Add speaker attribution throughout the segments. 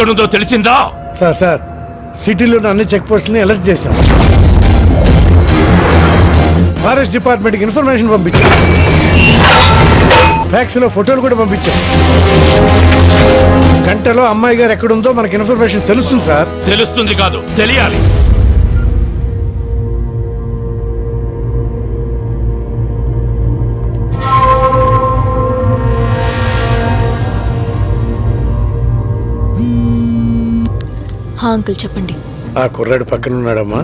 Speaker 1: ఎక్కడుందో తెలిసిందా?
Speaker 2: సార్ సిటీలోని అన్ని చెక్ పోస్టులని అలర్ట్ చేశాం. ఫారెస్ట్ డిపార్ట్మెంట్కి ఇన్ఫర్మేషన్ పంపించాం. ఫ్యాక్స్ లో ఫోటోలు కూడా పంపించాం. గంటలో అమ్మాయి గారు ఎక్కడుందో మనకి ఇన్ఫర్మేషన్ తెలుస్తుంది సార్.
Speaker 1: తెలుస్తుంది కాదు, తెలియాలి.
Speaker 3: అంకుల్ చెప్పండి.
Speaker 2: ఆ కుర్రాడు పక్కన ఉన్నాడమ్మా.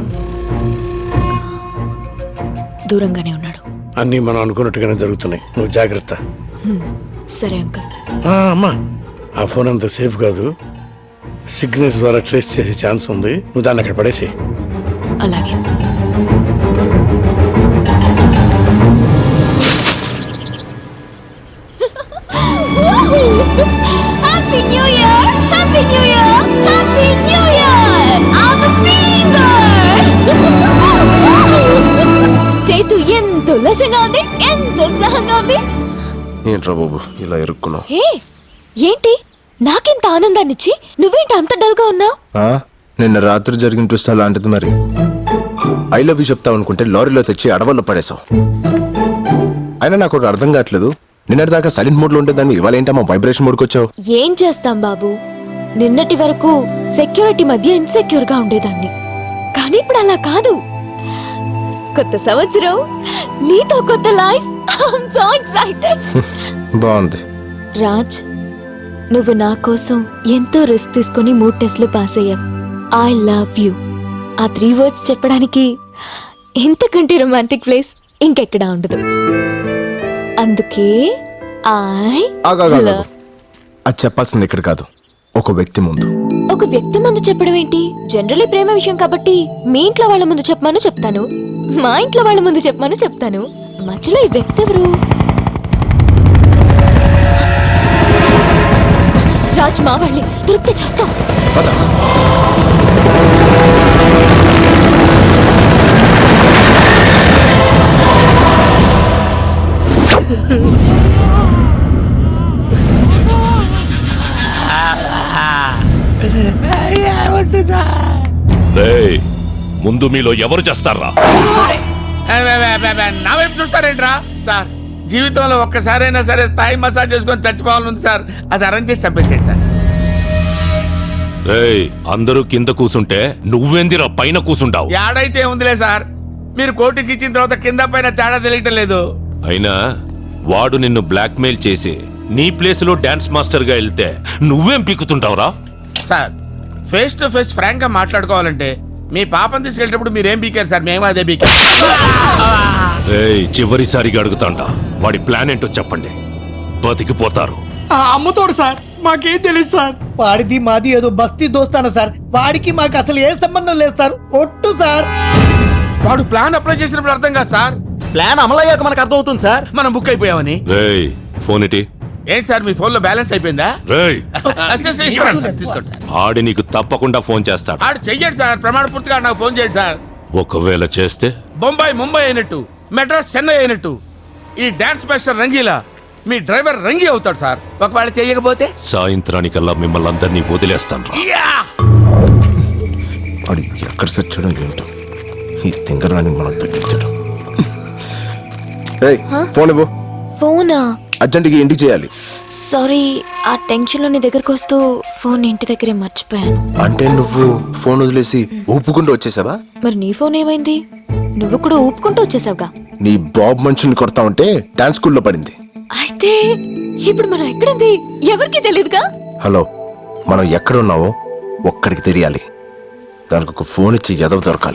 Speaker 3: దూరంగానే ఉన్నాడు.
Speaker 2: అన్నీ మనం అనుకున్నట్టుగానే జరుగుతున్నాయి. నువ్వు జాగ్రత్త.
Speaker 3: సరే అంకుల్.
Speaker 2: అమ్మా, ఆ ఫోన్ అంత సేఫ్ కాదు. సిగ్నల్స్ ద్వారా ట్రేస్ చేసే ఛాన్స్ ఉంది. నువ్వు దాన్ని అక్కడ పడేసి.
Speaker 3: అలాగే.
Speaker 4: Happy New Year! Happy New Year! Happy New Year! I'm a fever! చేతు ఎంత ఉల్లాసంగా ఉంది, ఎంత ఉత్సాహంగా ఉంది.
Speaker 5: ఏంట్రా బాబు ఇలా ఇరుక్కున్నావు?
Speaker 3: హే, ఏంటి నాకెంత ఆనందాన్నిచ్చి నువ్వేంటి అంత డల్గా ఉన్నావు?
Speaker 5: నిన్న రాత్రి జరిగిన ట్విస్ట్ అలాంటిది. మరి ఐ లవ్ యూ చెప్తావు అనుకుంటే లారీలో తెచ్చి అడవుల్లో పడేసావు. అయినా నాకు ఒకటి అర్థం కావట్లేదు. నిన్నటి దాకా సైలెంట్ మోడ్ లో ఉండేదాన్ని ఇవాళ ఏంటమ్మా వైబ్రేషన్ మోడ్కి వచ్చావు?
Speaker 3: ఏం చేస్తాం బాబు, నిన్నటి వరకు సెక్యూరిటీ మధ్య ఇన్సెక్యూర్ గా ఉండేదాన్ని. కానీ ఇప్పుడు అలా కాదు. కొత్త సంవత్సరం, నీతో కొత్త లైఫ్. I'm so excited.
Speaker 5: బాగుంది.
Speaker 3: రాజ్, నువ్వు నా కోసం ఎంతో రిస్క్ తీసుకుని 3 టెస్ట్లు పాస్ అయ్యావు. I love you. ఆ 3 words చెప్పడానికి ఇంతకంటే రొమాంటిక్ ప్లేస్ ఇంకెక్కడా ఉండదు. అందుకే
Speaker 5: అది చెప్పాల్సింది ఇక్కడ కాదు, ఒక వ్యక్తి ముందు.
Speaker 3: ఒక వ్యక్తి ముందు చెప్పడం ఏంటి? జనరలీ ప్రేమ విషయం కాబట్టి మీ ఇంట్లో వాళ్ళ ముందు చెప్పమని చెప్తాను, మా ఇంట్లో వాళ్ళ ముందు చెప్పమని చెప్తాను. మధ్యలో ఈ వ్యక్తి ఎవరు? రాజ్, మా వాళ్ళే. దొరికితే చేస్తాం.
Speaker 1: ముందు మీలో ఎవరు చేస్తారా?
Speaker 6: నా వైపు చూస్తారేంట్రా సార్? జీవితంలో ఒక్కసారైనా సరే థాయ్ మసాజ్ చేసుకొని చచ్చిపోవాలని సార్. అది అరేంజ్ చేసి చంపేసేయండి సార్.
Speaker 1: అందరూ కింద కూసుంటే నువ్వేందిరా పైన కూసుంటావు?
Speaker 6: ఏడైతే ఉందిలే సార్, మీరు కోటికి ఇచ్చిన తర్వాత కింద పైన తేడా తెలియటం లేదు.
Speaker 1: అయినా వాడు నిన్ను బ్లాక్మెయిల్ చేసి నీ ప్లేస్ లో డాన్స్ మాస్టర్ గా వెళ్తే నువ్వేం పీకుతుంటావురా?
Speaker 6: Sir, face to face frank గా మాట్లాడుకోవాలంటే మీ పాపం తీసుకెళ్ళేటప్పుడు మీరేం పీకారు సార్? మేము అదే పీకారు.
Speaker 1: చివరిసారిగా అడుగుతాంట, వాడి ప్లాన్ ఏంటో చెప్పండి, బతికిపోతారు.
Speaker 7: అమ్ముతోడు సార్, మాకేం తెలియదు సార్. వాడిది మాది ఏదో బస్తీ దోస్తాను సార్. వాడికి మాకు అసలు ఏ సంబంధం లేదు సార్. ఒట్టు సార్.
Speaker 6: వాడు ప్లాన్ అప్లై చేసినప్పుడు అర్థం కాదు సార్.
Speaker 7: ప్లాన్ అమలయ్యాక మనకు అర్థం అవుతుంది సార్.
Speaker 6: మనం బుక్ అయిపోయామని.
Speaker 1: ఫోన్ ఇటీ.
Speaker 6: ఏంటి సార్, మీ ఫోన్ లో బ్యాలెన్స్ అయిపోయిందా? తీసుకోండి సార్.
Speaker 1: ఆడి నీకు తప్పకుండా ఫోన్ చేస్తాడు.
Speaker 6: ఆడు చెయ్యండి సార్, ప్రమాణ పూర్తిగా నాకు ఫోన్ చేయండి సార్.
Speaker 1: ఒకవేళ చేస్తే
Speaker 6: బొంబాయి ముంబై అయినట్టు, మెడ్రాస్ చెన్నై అయినట్టు ఈ డాన్స్ మాస్టర్ రంగీలా మీ డ్రైవర్ రంగి అవుతాడు సార్. ఒకవేళ చేయకపోతే
Speaker 1: సాయంత్రానికల్లా మిమ్మల్ని అందరినీ వదిలేస్తాను.
Speaker 5: వాడు ఎక్కడ సచ్చాడో ఏంటో, ఈ తింగడానికి మనం తగ్గించాడు. ఫోన్ ఇవ్వు.
Speaker 3: ఫోనా?
Speaker 5: అర్జెంట్గా ఇంటికి చేయాలి.
Speaker 3: సారీ, ఆ టెన్షన్ లో నీ దగ్గరకు వస్తూ ఫోన్ ఇంటి దగ్గరే మర్చిపోయాను.
Speaker 5: అంటే నువ్వు ఫోన్ వదిలేసి ఊపుకుంటూ వచ్చేసావా?
Speaker 3: మరి నీ ఫోన్ ఏమైంది? నువ్వు కూడా ఊపుకుంటూ వచ్చేసావుగా.
Speaker 5: నీ బాబు మనిషిని కొడతా ఉంటే డాన్స్ స్కూల్లో పడింది.
Speaker 3: అయితే ఇప్పుడు మనం ఎక్కడుంది ఎవరికి తెలియదుగా.
Speaker 5: హలో, మనం ఎక్కడున్నావో ఒక్కడికి తెలియాలి. దానికి ఒక ఫోన్ ఇచ్చి ఎదవ దొరకాలి.